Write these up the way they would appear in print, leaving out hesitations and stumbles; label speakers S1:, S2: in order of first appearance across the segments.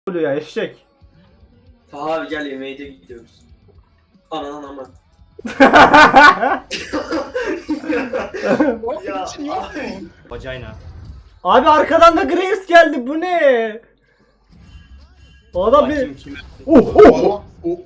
S1: oluyor ya eşek.
S2: Abi gel yemeğe de gidiyoruz. Anan ama. Ya abi.
S3: Vagina.
S1: Abi arkadan da Graves geldi, bu ne? O adam bir...
S3: Kim kim?
S1: Oh
S4: Adam,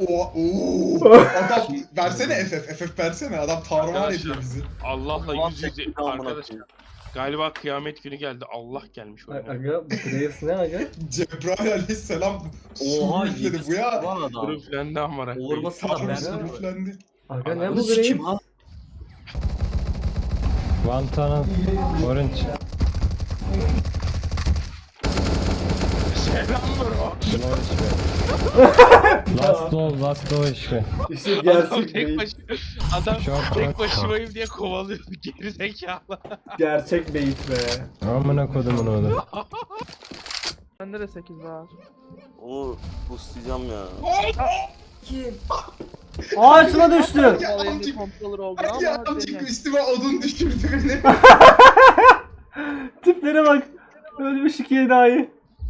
S4: adam versene FF versene, adam tarman ediyor bizi.
S5: Allah'la yüz yüze arkadaşlar. Galiba kıyamet günü geldi. Allah gelmiş oraya.
S1: Aga bu Graves ne aga?
S4: Cebrail aleyhisselam
S3: Oha
S4: sürüfledi bu ya.
S3: Lan adam.
S5: Sürüflendi amara.
S3: Vurması da
S4: Tanrı
S3: ben.
S4: sürüflendi.
S1: Aga ne
S3: Ananı
S1: bu Graves?
S3: sikim ha.
S6: One tunnel, orange.
S5: Selam bro.
S6: Slow HP. Last low HP.
S1: İşte
S5: Adam
S1: gerçek
S5: tek
S1: beyit.
S5: başına. Adam
S6: Short,
S5: tek
S6: short.
S5: başımayım diye kovalıyor. Geri zekalı.
S1: Gerçek beyit be.
S6: Amına kodumun oğlu.
S7: Bende de 8 var.
S8: Onu boostlayacağım ya.
S1: Ağaçına düştü.
S4: Ya
S7: Vallahi bir
S4: amcık,
S7: kontrolör oldu
S4: ya
S7: ama
S4: amcık
S7: dene.
S4: üstüme odun düşürdü beni.
S1: Tiplere bak. Ölmüş ikiye daha iyi.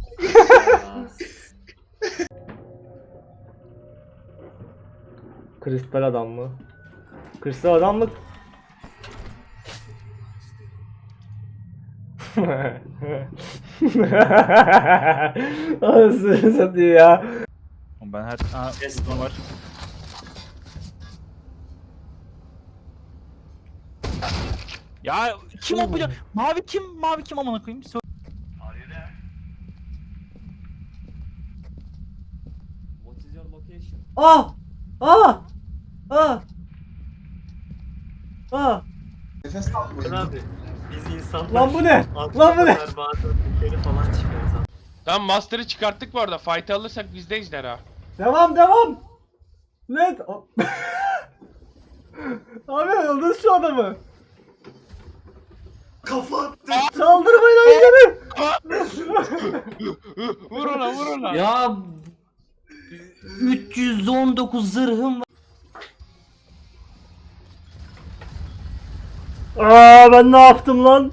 S1: Kristal adam mı? Kristal adam mı? Anasını satayım ya.
S9: Ben her...
S3: Ses var.
S9: Ya kim o biliyor? Mavi kim? Mavi kim amına koyayım?
S3: What is your location?
S1: Ah! Ah! Ah! Ah!
S4: Nefes almayın.
S3: Abi biz insanlar.
S1: Lan bu ne?
S3: Altı
S1: Lan bu ne?
S3: kadar bazen yukarı falan çıkıyoruz abi.
S5: Tamam Master'ı çıkarttık bu arada. Fight'ı alırsak bizde ejderha.
S1: Devam devam! Net! Abi öldür şu adamı!
S3: Kafa attı.
S1: Saldırmayın ayıları!
S5: Vur ona vur ona.
S3: Ya 319 zırhım var.
S1: Aa ben ne yaptım lan?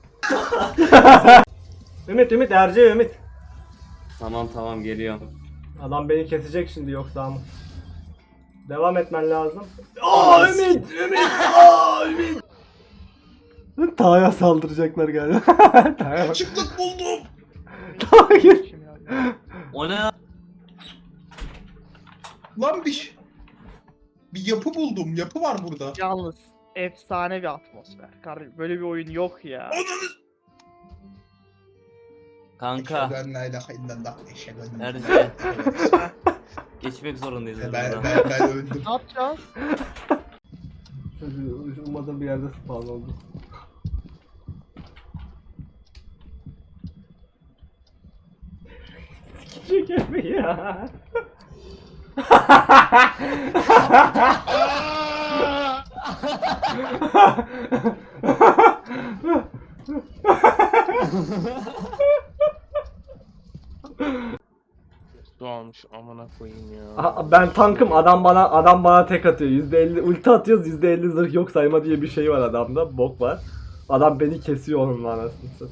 S1: Ümit Ümit.
S3: Tamam geliyorum.
S1: Adam beni kesecek şimdi yoksa ama. Devam etmen lazım. Aa Ümit! Aa Ümit! Taha'ya saldıracaklar galiba. Taha'ya bak.
S4: Açıklık buldum.
S1: Hayır.
S3: O ne ya?
S4: Lan bir yapı buldum. Yapı var burada.
S7: Yalnız efsane bir atmosfer. Kardeşim böyle bir oyun yok ya.
S3: Kanka.
S4: Ben la ilahe illallah. Eşhedü
S3: Nerede? Geçmek zorundayız
S4: Ben
S3: buradan.
S4: öldüm.
S7: Ne yapacağız?
S1: Umarım bir yerde spawn oldu. Sikecek mi ya?
S5: Su almış amına koyayım ya.
S1: Aha, ben tankım, adam bana tek atıyor. %50 ulti atıyoruz, %50 zırh yok sayma diye bir şey var adamda. Bok var. Adam beni kesiyor onun anasını.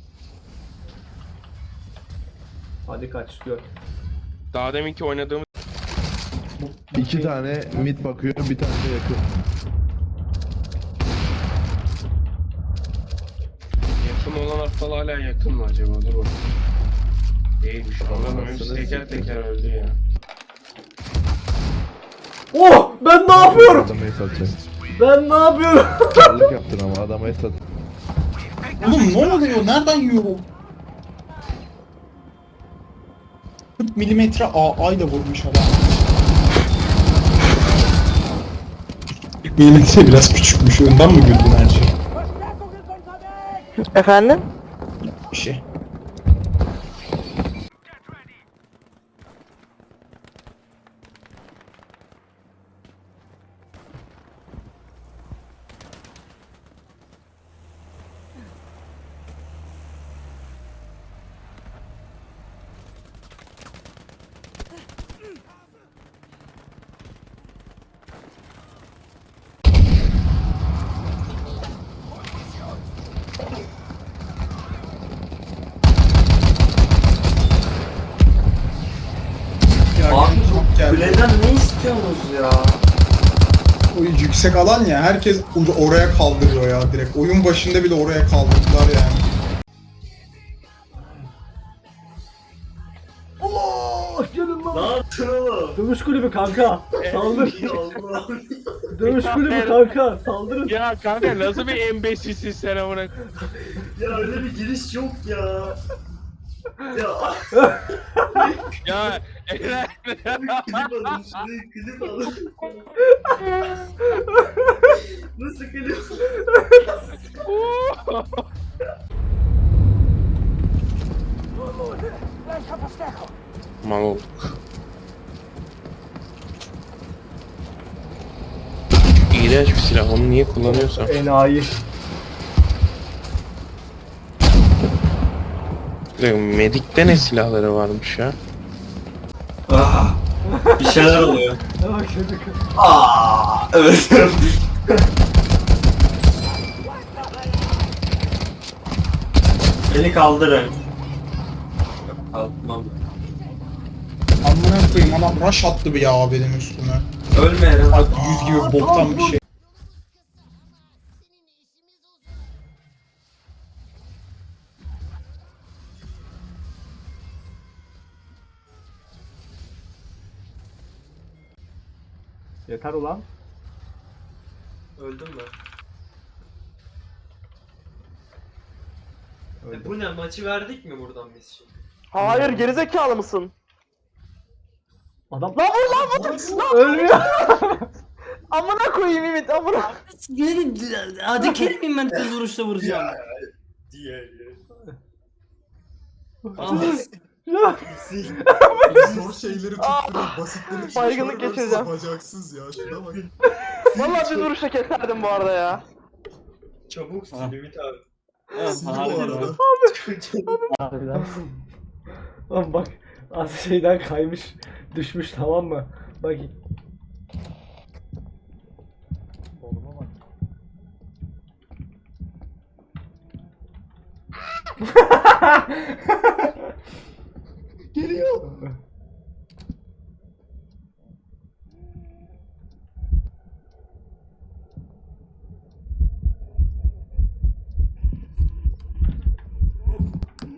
S1: Hadi kaç gör.
S5: Daha deminki oynadığımız
S10: İki tane mid bakıyor, bir tane de yakın.
S5: yakın olan aptal hala yakın mı acaba? Dur bakayım. Değilmiş. Adam hepsi teker teker öldü ya.
S1: Oh! Ben ne yapıyorum?
S10: Adama es atacak.
S1: Ben ne yapıyorum?
S10: Çarlık yaptın ama adama es at.
S4: Oğlum ne oluyor? Nereden yiyor bu? 40 milimetre AA ile vurmuş adam. 40 milimetre biraz küçükmüş. Ondan mı güldün her şey?
S7: Efendim?
S4: Bir şey. geldi.
S2: Kuleden ne istiyorsunuz ya?
S4: O yüksek alan ya, herkes oraya kaldırıyor ya direkt. Oyun başında bile oraya kaldırdılar yani.
S1: Allah gelin
S2: Ne
S1: lan.
S2: yaptın oğlum?
S1: Dövüş kulübü kanka. Saldır.
S2: Ya Allah'ım.
S1: Dövüş kulübü kanka. Saldırın.
S5: Ya kanka nasıl bir embesilsin sen amına.
S2: Ya öyle bir giriş yok ya. Ya
S5: Ya Eren.
S2: klip alın şurayı klip alın. Nasıl klip?
S5: Mal olduk. İğrenç bir silah, onu niye kullanıyorsan.
S1: Enayi.
S5: Medik'te ne silahları varmış ya?
S2: Bir şeyler oluyor.
S1: Ne bak çocuk.
S2: Evet. Beni kaldırın. Kalkmam.
S4: Amına koyayım, adam rush attı bir ya benim üstüme.
S2: Ölme Eren.
S4: Bak 100 gibi boktan bir şey.
S1: Yeter ulan.
S2: Öldüm mü?
S1: Öldüm.
S2: Bu ne? Maçı verdik mi buradan biz şimdi?
S7: Hayır gerizekalı mısın?
S1: Adam
S7: Lan vur lan vur.
S1: ölmüyor.
S7: Amına koyayım Ümit amına.
S3: Hadi kelimeyim ben kız vuruşla vuracağım.
S2: Diye.
S3: Ah,
S1: Ya.
S10: Zor şeyleri
S7: Aa,
S10: tutturuyor, basitleri
S7: baygınlık geçireceğim.
S10: Bacaksız ya, şuna bak.
S7: Vallahi bir vuruşla keserdim bu arada ya.
S2: Çabuk sil Ümit abi.
S10: Sinir bu arada.
S1: Harbiden. Lan bak az şeyden kaymış düşmüş tamam mı? Bak. Oğluma bak. Geliyor.